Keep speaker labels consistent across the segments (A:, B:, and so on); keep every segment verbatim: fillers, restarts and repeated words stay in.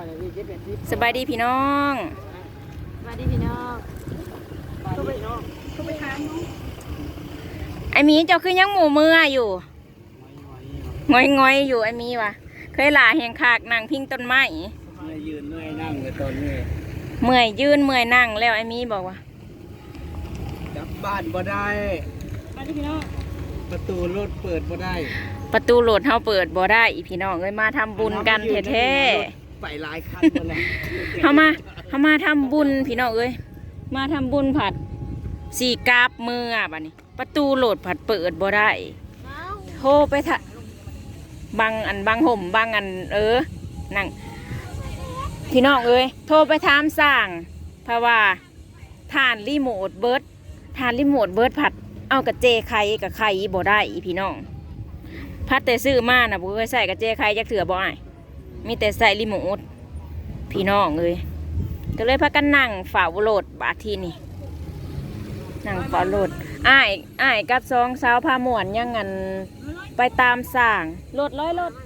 A: สบายดีพี่น้อง
B: สบายดีพี่น้องก็ไปก็ไปหาน้อง
A: ไอมีเจ้าคือยังหมูเมื่ออยู่งอยงอยอยู่ไอมีวะเคยหลาแหงขากนั่งพิงต้นไม้
C: เมื่อยยืนเมื่อยนั่งเลยตอนนี้
A: เมื่อยยืนเมื่อยนั่งแล้วไอมีบอกว่า
C: กลับบ้านบ่ได้
B: สบายดีพี่น้อง
C: ประตูรถเปิดบ่ได้
A: ประตูโหลดเฮาเปิดบ่ได้อีพี่น้องเอ้ยมาทำบุญกันแท้
C: ๆไปหลายคันหมดแล้ว
A: เฮามาเฮามาทำบุญพี่น้องเอ้ยมาทำบุญผัดสี่กาบมืออ่ะบัดนี้ประตูโหลดผัดเปิดบ่ได้โทรไปทะบังอันบังห่มบังอันเออนั่งพี่น้องเอ้ยโทรไปถามสั่งเพราะว่าทานรีโมทเบิร์ดทานรีโมทเบิร์ดผัดเอากระเจไข่กับไข่บ่ได้อีพี่น้องพัดแต่ซื้อมาน่ะบ่เคยใส่กระเจไข่จักเถื่อบ่อ้ายมีแต่ใส่รีโมทพี่น้องเอ้ยก็เลยพากันนั่งฝ่าโหลดบาดทีนี่นั่งฝ่าโหลดอ้ายอ้ายกับสองสาวพาม่วนยังงันไปตามสั่งโหลดร้อยโหลด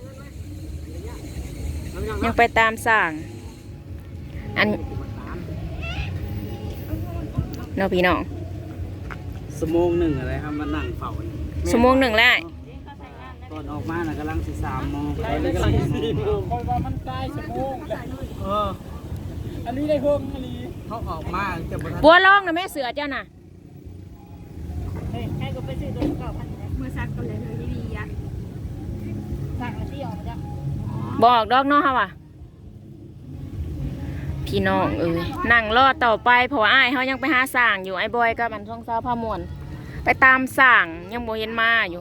A: ยังไปตามสั่งอันเนาะพี่น้อง
C: สมงหนึ่งอะไรครับมานั่งเฝ้า
A: สมงหนึ่งแล้ว
C: ตอนออกมาน่ะกำลังสิสามโมงตอนนี้กำลังสี่โมงคอยว่ามันใกล้สมงเอออันนี้ได้เพิ่มอันนี้เขาออกมาจะ
A: บัวลองนะแม่เสือเจ้าน่ะ
B: ให้กูไปซื้อตัวเก่าพันเมื่อซักกันเลยเลยดีอ่ะสั่งมาที่ออกมาจ้ะ
A: บอกดอกน้องเขาว่ะพี่น้องเอ้ยนั่งรอต่อไปเพราะอ้ายเขายังไปหาสั่งอยู่ไอ้บอยกับมันช่องเช้าพามวนไปตามสั่งยังโบเห็นมาอยู่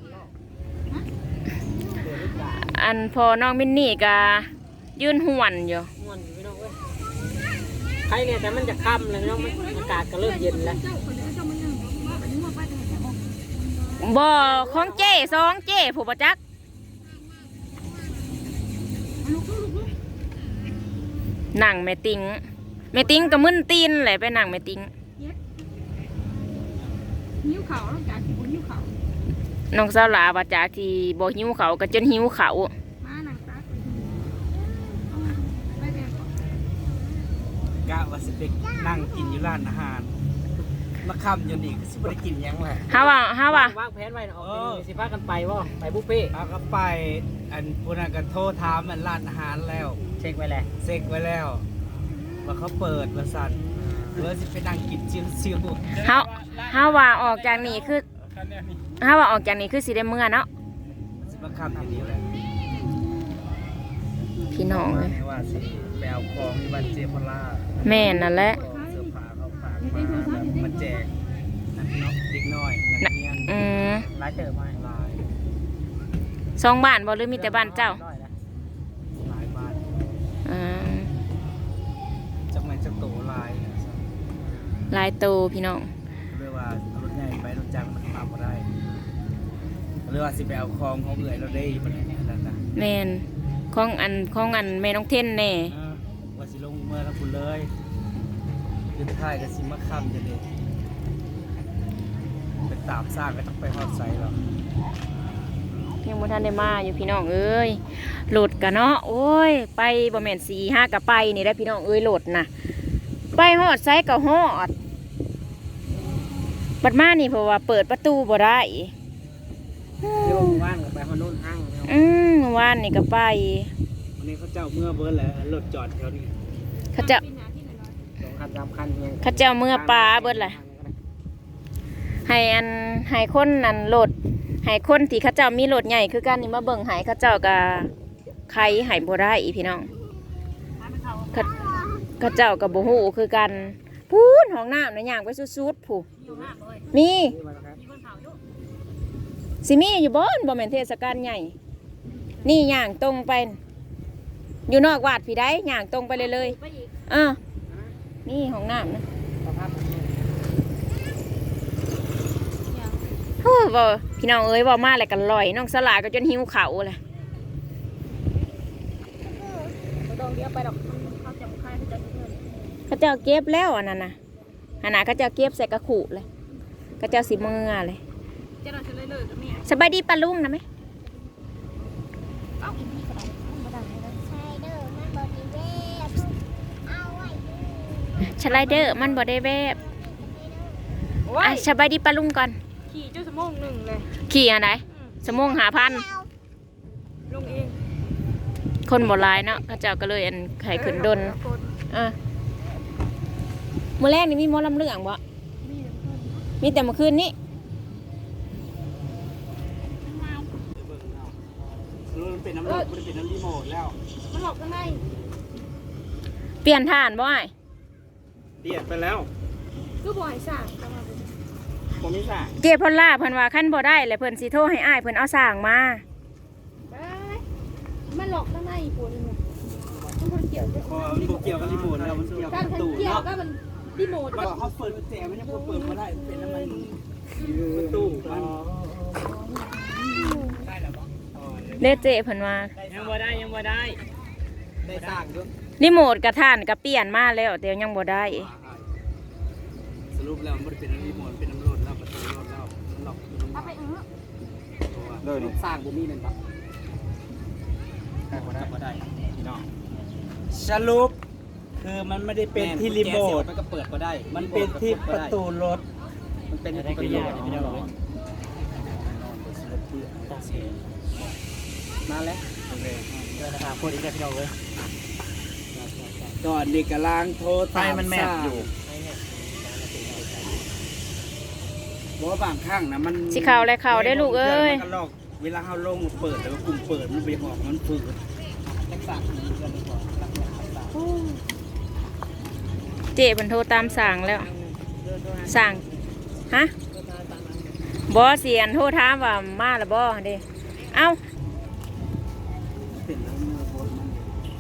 A: อันพอน้องมินนี่ก็ยืนห่วนอยู่
C: ห่วนอยู่พี่น้องเว้ยใครเนี่ยแต่มันจะค่ำเลยพี่น้องอากาศก็เริ่มเย็นแล้ว
A: บ่อของเจ้สองเจ้ผู้ประจักษ์หนังแม่ติงแม่ติงกับมึนตีนแหละไปหนังแม่ติง
B: หิวเขาแล้วจากหิวเขา
A: น้องสาวหลาว่าจากที่บ่หิวเขาก็จนหิวเขา
B: มาหนังซัก
C: กะว่าสิไปนั่งกินอยู่ร้านอาหารมาค่ำอยู่นี่สิไปกินยังแหละ
A: ฮาว่าฮาว่
C: าวางแผนไว้ออกสิพากันไปว่าไปบุฟเฟ่เอาก็ไปอันพวกนั้นก็โทรถามมันร้านอาหารแล้วเช็คไว้แล้วเช็คไว้แล้วว่าเขาเปิดว่าสั่นเลยสิไปนั่งกินชิว
A: ๆเฮาฮาว่าออกจากนี่คือฮาว่าออกจากนี่คือสิได้เมื่อเนาะ
C: สิมาค่ำอย่างนี้แหละ
A: พี่น้องเลย
C: ว่าสิไปเอาของที่บ้านเจพล่า
A: แม่นั่นแหละ
C: เสื้อผ้าเขาฝากมามันแจกนักเนาะเด็กน้อยนักเรียน
A: อืม
C: หลายเติมมาหลาย
A: สองบ้านบ่หรือมีแต่บ้านเจ้า
C: หลายบ้าน
A: อืม
C: จักแม่นจักโตหลาย
A: หลายโตพี่น้อง
C: เรียกว่ารถใหญ่ไปรถจักรมันมาบ่ได้เรียกว่าสิไปเอาของของเอื่อยเราได้บ่ได้นั่นน่ะ
A: แม่นของอันของอันแม่น้องเท่นแน่
C: ว่าสิลงเมื่อทั้งคุณเลยขึ้นท้ายก็สิมาค่ำจะเด้ไปตามสร้างก็ต้องไปฮอดไซหรอก
A: เพียงบ่ทันได้มาอยู่พี่น้องเอ้ยโหลดกันเนาะโอ้ยไปบ่แม่นสี่ห้ากับไปนี่ได้พี่น้องเอ้ยโหลดน่ะไปฮอดไซก็ฮอดบัดมานี่เพราะว่าเปิดประตูบ่ได้
C: เดี๋ยวว่านก็ไปฮอดโน่นห้าง
A: อืมว่านนี่ก็ไป
C: วันนี้เขาเจ้าเมื่อเบิร์ดแหละรถจอดแถวนี้
A: เขาเจ้า
C: สองคันสามคัน
A: เขาเจ้าเมื่อปลาเบิร์ดแหละให้อันให้คนนั่นโหลดให้คนที่เขาเจ้ามีโหลดใหญ่คือกันนี่มาเบิ่งให้เขาเจ้ากับใครให้บ่ได้อีพี่น้องเขาเจ้ากับบ่ฮู้คือกันพูนห้องน้ำในย่างไปสุดๆผู้มีสิมีอยู่บ่บ่แม่นเทศกาลใหญ่นี่ย่างตรงไปอยู่นอกวัดพี่ได้ย่างตรงไปเลยเลยอ่ะนี่ห้องน้ำนะโอ้บ่พี่น้องเอ้ยบ่มาอะไรกันลอยน้องสลาก็จนหิวเข่าเลยเขาเจ้าเก็บแล้วอันนั้นนะอันนั้นเขาเจ้าเก็บใส่กระขู่เลยเขาเจ้าสีมือเลยสบายดีปลาลุงนะไหมสไลเดอร์มันบ่ได้แบบ
B: โอ้
A: อ่ะ
B: ย
A: สบายดีปะลุงก่อน
B: ขี่จุดสมองหนึ่งเลย
A: ขี่อันไหนสมงหาพัน
B: ลงเอง
A: คนบ่หลายเนาะเขาเจ้าก็เลยอันไข่ขึ้นดนอ่ะมื้อแรกนี่มีหมอลำเรื่องบ่มีแต่เมื่อคืนนี้
C: มันเป็นน้ำรถมันเป็นน้ำรีโมทแล้ว
B: มันหลอกข้างใน
A: เปลี่ยนฐานบ่อ้าย
C: เดียดไปแล้ว
B: คือบ่อยสั่งเข้ามาเป็น
C: ผมไม่ใช่
A: เจพอลล่าเพิ่นว่าคันบ่ได้แล้วเพิ่นสิโทรให้อ้ายเพิ่นเอาสร้างมา
B: ไปมันหลอกข้างในปวดเลยมันคนเกี่ยวกับ
C: พอมันเกี่ยวกับรีโมทแล้วมันเกี่ยวกับ
B: การ
C: ประตู
B: เกี่ยว
C: เนาะ
B: ก็มันรีโมท
C: มันเขาเปิดกุญแจมันยังเปิดไม่ได้เป็นน้ำมันประตูมันได้แล้วปะ
A: เด้เจเพิ่นว่า
C: ยังบ่ได้ยังบ่ได้ได้สร้างด้วย
A: รีโมทกับฐานก็เปลี่ยนมาแล้วแต่ยังบ่ได้
C: สรุปแล้วมันไม่ได้เป็นน้ำรีโมทเป็นน้ำรถแล้วประตูรถแล้วมันหลอกเป็นน้ำ
B: เอาไปเออ
C: ตัวเลยสร้างบุมีเป็นปะได้บ่ได้บ่ได้พี่น้องสรุปคือมันไม่ได้เป็นที่รีโมทมันก็เปิดก็ได้ มันเป็นที่ประตูรถมันเป็นที่ประตูรถไม่ได้หรอกมาแล้วโอเคเดินทางคนอีกแล้วพี่น้องเลยก่อนนี่กำลังโทรตามมันแมบอยู่เพราะว่าบางครั้งนะมัน
A: สิเข้าและเข้าได้ลูกเอ้ย
C: มันก็ลอกเวลาเขาลงเปิดแล้วก็ปุ่มเปิดมันไปออกมันฝืดรักษาดีกันดีกว่ารักษารักษา
A: เจเพิ่นโทรตามสร้างแล้วสร้างฮะบ่เสียนโทรถามว่ามาแล้วบ่เด้เอ้า
C: เป็นแล้วเมื่อโพสมัน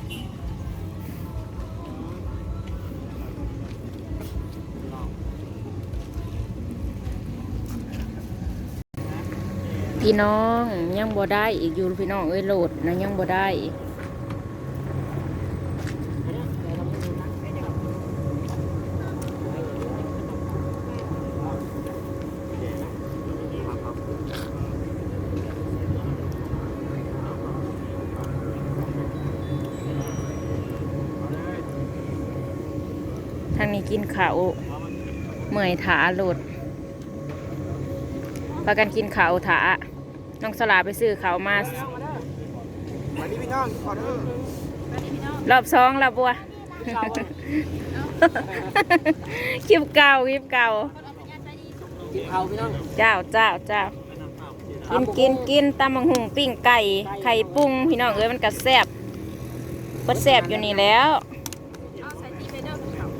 A: พี่น้องยังบ่ได้อีกอยู่พี่น้องเอ้ยโหลดนะยังบ่ได้ทางนี้กินข้าวเมื่อยถาโหลดพากันกินข้าวถาน้องสลาไปซื้อข้าวมา
C: มาดิพี่น้องขอเด้อ
A: รอบสองแล้วบัว คลิปเก่าคลิปเก่า
C: กินข้าวพี่น้อง
A: เจ้าเจ้าเจ้ากินกินกินตำบังหุงปิ้งไก่ไข่ปุ้งพี่น้องเอ้ยมันก็แซ่บก็แซ่บอยู่นี่แล้ว
B: เอาใส่ตีไปเด้อ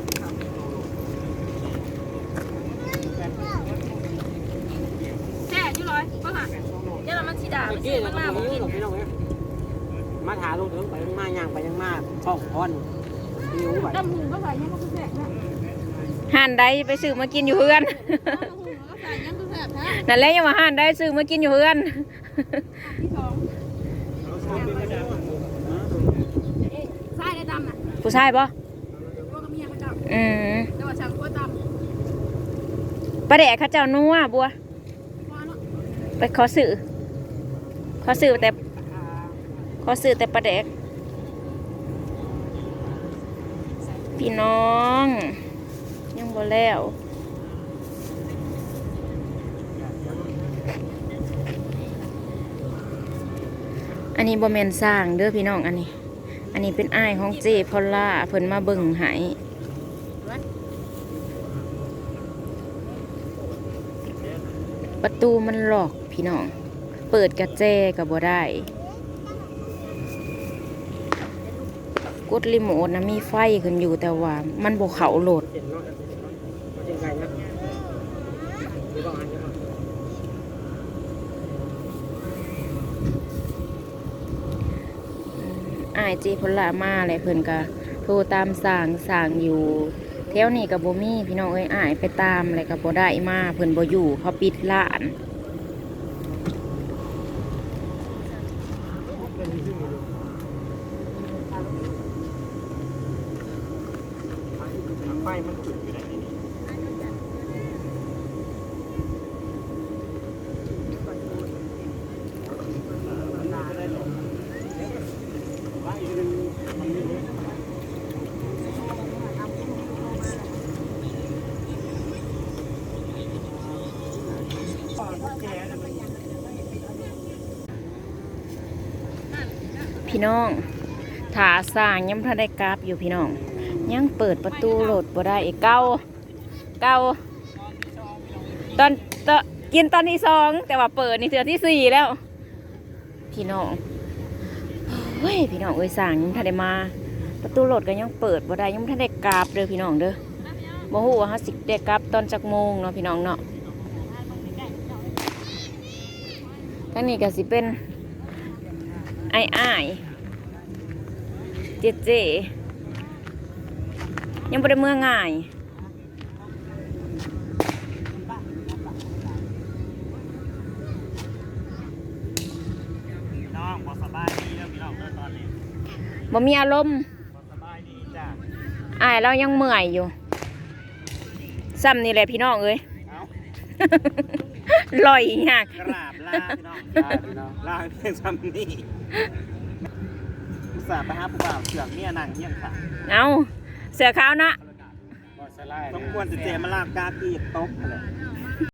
B: แช่อยู่เลยก็หาเดี๋ยวเรามันสีดามันสีมันมาบ่กิน
C: มาถาลงถึงไปยังมาย่างไปยังมาช่องพอนหิวแบบ
B: ดำหูก็ใส่ยังก็แซ่บนะ
A: ห่านใดไปซื้อมากินอยู่เฮือน
B: ดำหูก็ใส่ยังก็แซ่บนะ
A: นั่นแหละยังว่าห่านใดซื้อมากินอยู่เฮือน
B: ที่สองเอ๊ะใส่ได้ดำน่ะ
A: ผู้ชายปะ
B: พวกกับเมียเขาจับ
A: อืม
B: แต่ว่าฉันก็ดำ
A: ประแดกเข้าเจ้านัวบัว
B: ว่าเนาะ
A: ไปขอซื้อขอซื้อแต่ขอซื้อแต่ประแดกพี่น้องยังบ่แล้ว อันนี้บ่แม่นสร้างเด้อพี่น้องอันนี้ อันนี้เป็นอ้ายของเจพอลล่าเพิ่นมาเบิ่งให้ประตูมันหลอกพี่น้อง เปิดกระแจก็บ่ได้ กดรีโมทนะมีไฟขึ้นอยู่แต่ว่ามันบ่เข้าโหลด อายเจพลลามาอะไรเพิ่นก็โทรตามสั่งสั่งอยู่แถวนี้กับบ่มีพี่น้องเอ้ยอายไปตามอะไรกับบ่ได้มาเพิ่นบ่อยู่เขาปิดร้าน
C: ไฟมันจุดอยู่ในนี้
A: พี่น้องถาสร้างยังพระได้กราบอยู่พี่น้องยังเปิดประตูรถบ่ได้อีกเก้าเก้าตอนตอนกินตอนที่สองแต่ว่าเปิดนี่เทือที่สี่แล้วพี่น้องเฮ้ยพี่น้องเอ้ยสร้างยังพระได้มาประตูรถก็ยังเปิดบ่ได้ยังพระได้กราบเด้อพี่น้องเด้อบ่ฮู้ว่าเฮาสิได้กราบตอนจักโมงเนาะพี่น้องเนาะทั้งนี้ก็สิเป็นไอ้อ้ายเจเจยังบ่ได้เมื่อง่าย
C: น้องบ่สบายดีแล้วพี่น้องเด้อตอนนี้
A: บ่มีอารมณ์
C: บ่สบายดีจ้ะ
A: อ้ายเรายังเมื่อยอยู่ซ้ำนี่แหละพี่น้องเอ้ย
C: เอ้า
A: ลอยยาก
C: กราบลาพี่น้องลาพี่น้องลาเพียงซ้ำนี่อุตส่าห์ไปหาผู้บ่าวเสือกเมียนั่งเฮียงค่ะ
A: เอาเสือขาวนะ
C: สมควรจะเจมาลากกากีตบอะไร